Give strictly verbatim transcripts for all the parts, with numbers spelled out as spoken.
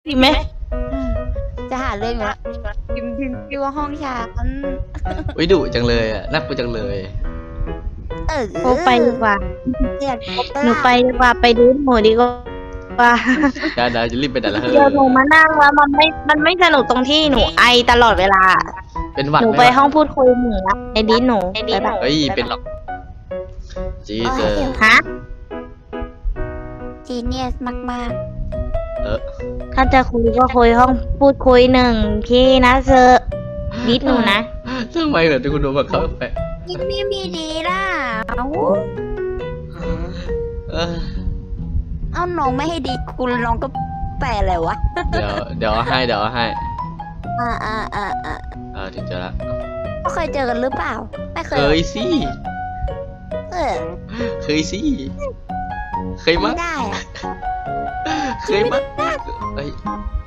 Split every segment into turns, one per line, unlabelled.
ดีไหม
จะหาเรื่องอยู่ละพิมพ์พิมพ์พิมพ์ว่าห้องฉัน
วิดุจังเลยอ่ะน่ากลัวจังเลย
เออ
โอไปดีกว่า
เรียนครบ
หนูไปดีกว่าไปดูหนูดีกว่า
เดี๋ยวเดี๋ยวจะรีบไปไหนละเฮ้ย
เดี๋ยวหนูมานั่งแล้วมันไม่ มันไม่สนุกตรงที่หนูไอตลอดเวลา
เป็นหวัด
หนู
ไหม
ไป
วะ
ห้องพูดคุยหนูละไอดีหนูไปแบบ
เฮ้ยเป็นหรอกจีเจอ
ฮะ
จีเนียสมาก
เออ
ถ้าจะคุยก็คุยห้องพูดคุยหนึ่งที่นะเซอร์ดิสหนูนะ
ทำไมเหรอที่คุณโดนบังคับไป
ๆนี่มีมีดีล่ะเอ้า
เออ
เอ้าน้องไม่ให้ดีคุณน้องก็แปลอะไรวะ
เดี๋ยวเดี๋ยวเอาให้เดี๋ยวเอาให้
อ่าอ่าอ่าอ่า
เออถึงเจอละ
ก็เคยเจอกันหรือเปล่าไม่เค
เค
ย
ยสิ
เออ
เคยสิเคยมั้
ไม่
ง
ได้อะ
เคยมั้งเอ้ย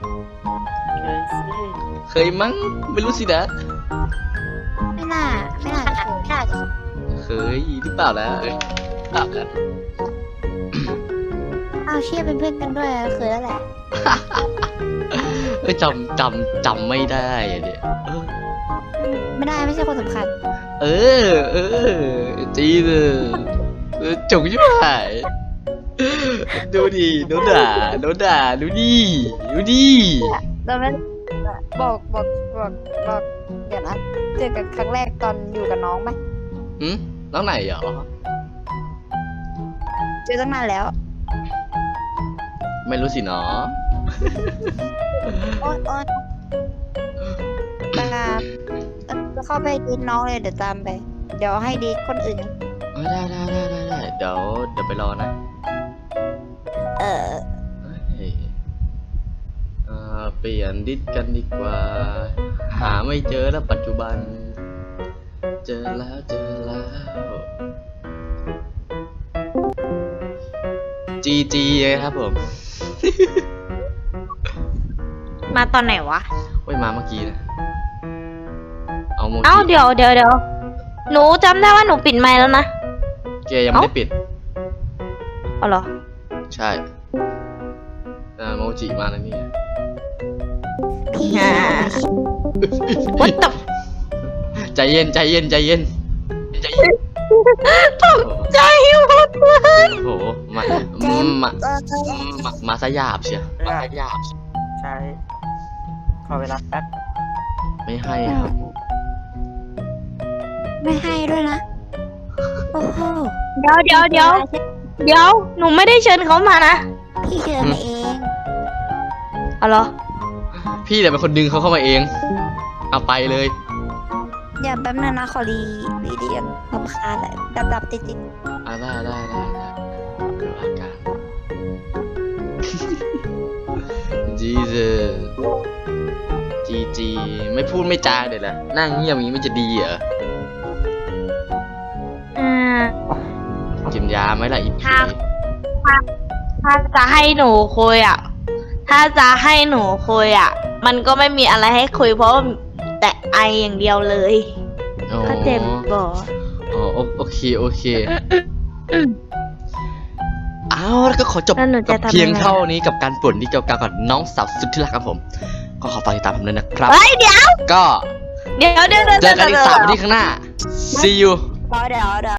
เคยมั้งไม่รู้สินะ
ไม่น่าไม่น่าจะไม่น่าจะ
เคยหรือเปล่านะเปล่านะ
อ้าวเชี่ยเป็นเพื่อนกันด้วยเคยแล้วแหละ
เอ้ยจำจำจำไม่ได้อะเนี่ยเออ
ไม่ได้ไม่ใช่คนสำคัญ
เออ เออ จีเลยเออจงชิบหายดูดิโดนด่าโดนด่าดูดิดูดิ
เราไม่บอกบอกบอกบอกเดี๋ยวนะเจอกันครั้งแรกตอนอยู่กับน้องไหม
หืมน้องไหนเหรอ
เจอตั้งนานแล้ว
ไม่รู้สิเนาะ
โอ๊ยโอ๊ยตามจะเข้าไปดีดน้องเลยเดี๋ยวตามไป เดี๋ยวให้ดีดคนอื่น
เออได้ได้ได้ได้ได้เดี๋ยวเดี๋ยวไปรอนะ
เออ
เฮ้ยเออเปลี่ยนดิสกันดีกว่า หาไม่เจอแล้วปัจจุบัน เจอแล้วเจอแล้วจีจีครับผม
มาตอนไหนวะ
โอ้ยมาเมื่อกี้นะ เอาโม
เอ้า
จิ
เดี๋ยวเดี๋ยวเดี๋ยวหนูจำได้ว่าหนูปิดไมค์แล้วนะ
เกยังไม่ได้ปิด
เอาเหรอ
ใช่อ่าโมจิมาแล้วนี่
พี่
อ่า What the
ใจเย็นใจเย็นใจเย็นใจเย็น
ตกใจหมดเลย
โอ้โหมามา
เออเออ
มามาซะหยาบเชียวมาซะหยาบ
ใช่ขอเวลาแป๊บ
ไม่ให้ครับ
ไม่ให้ด้วยนะ โอ้โห
เดี๋ยวเดี๋ยวเดี๋ยวเดี๋ยวหนูไม่ได้เชิญเขามานะ
พี่เชิญมาเอง
เอาเหรอ
พี่แต่เป็นคนดึงเขาเข้ามาเอง เอาไปเลย
อย่าแป๊บนึงนะขอรีรีเดียนลำคาญแหละดับดับติดติด
อ่าได้ได้ได้ได้เดี๋ยวอาการ จีเจจีจีไม่พูดไม่จาเดี๋ยวละนั่งเงียบอย่างนี้มันจะดีเหรอ
อ่า
กินยาไหมล่ะอี
ค
พี
รับ ถ้าจะให้หนูคุยอ่ะ ถ้าจะให้หนูคุยอ่ะ มันก็ไม่มีอะไรให้คุยเพราะว่าแต่ไออย่างเดียวเลย
อ๋อ
ก็เจ็บบ่
อ๋อโอโอเคโอเคเอาแล้วก็ขอจบ
แล้วหนูจะ
กับ
ทำ
เพียง
ยังไง
เท่านี้กับการป่วนที่เกี่ยวกับกับน้องสาวสุดที่รักครับผม ก็ขอฝากติดตามผมด้วยนะครับ
เฮ้ยเดี๋ยว
ก็
เดี๋ยวเดี๋ยวเดี๋ยว
เจอกันอีกสามวันที่ข้างหน้า see you
รอเดี๋ยวเดี๋ยว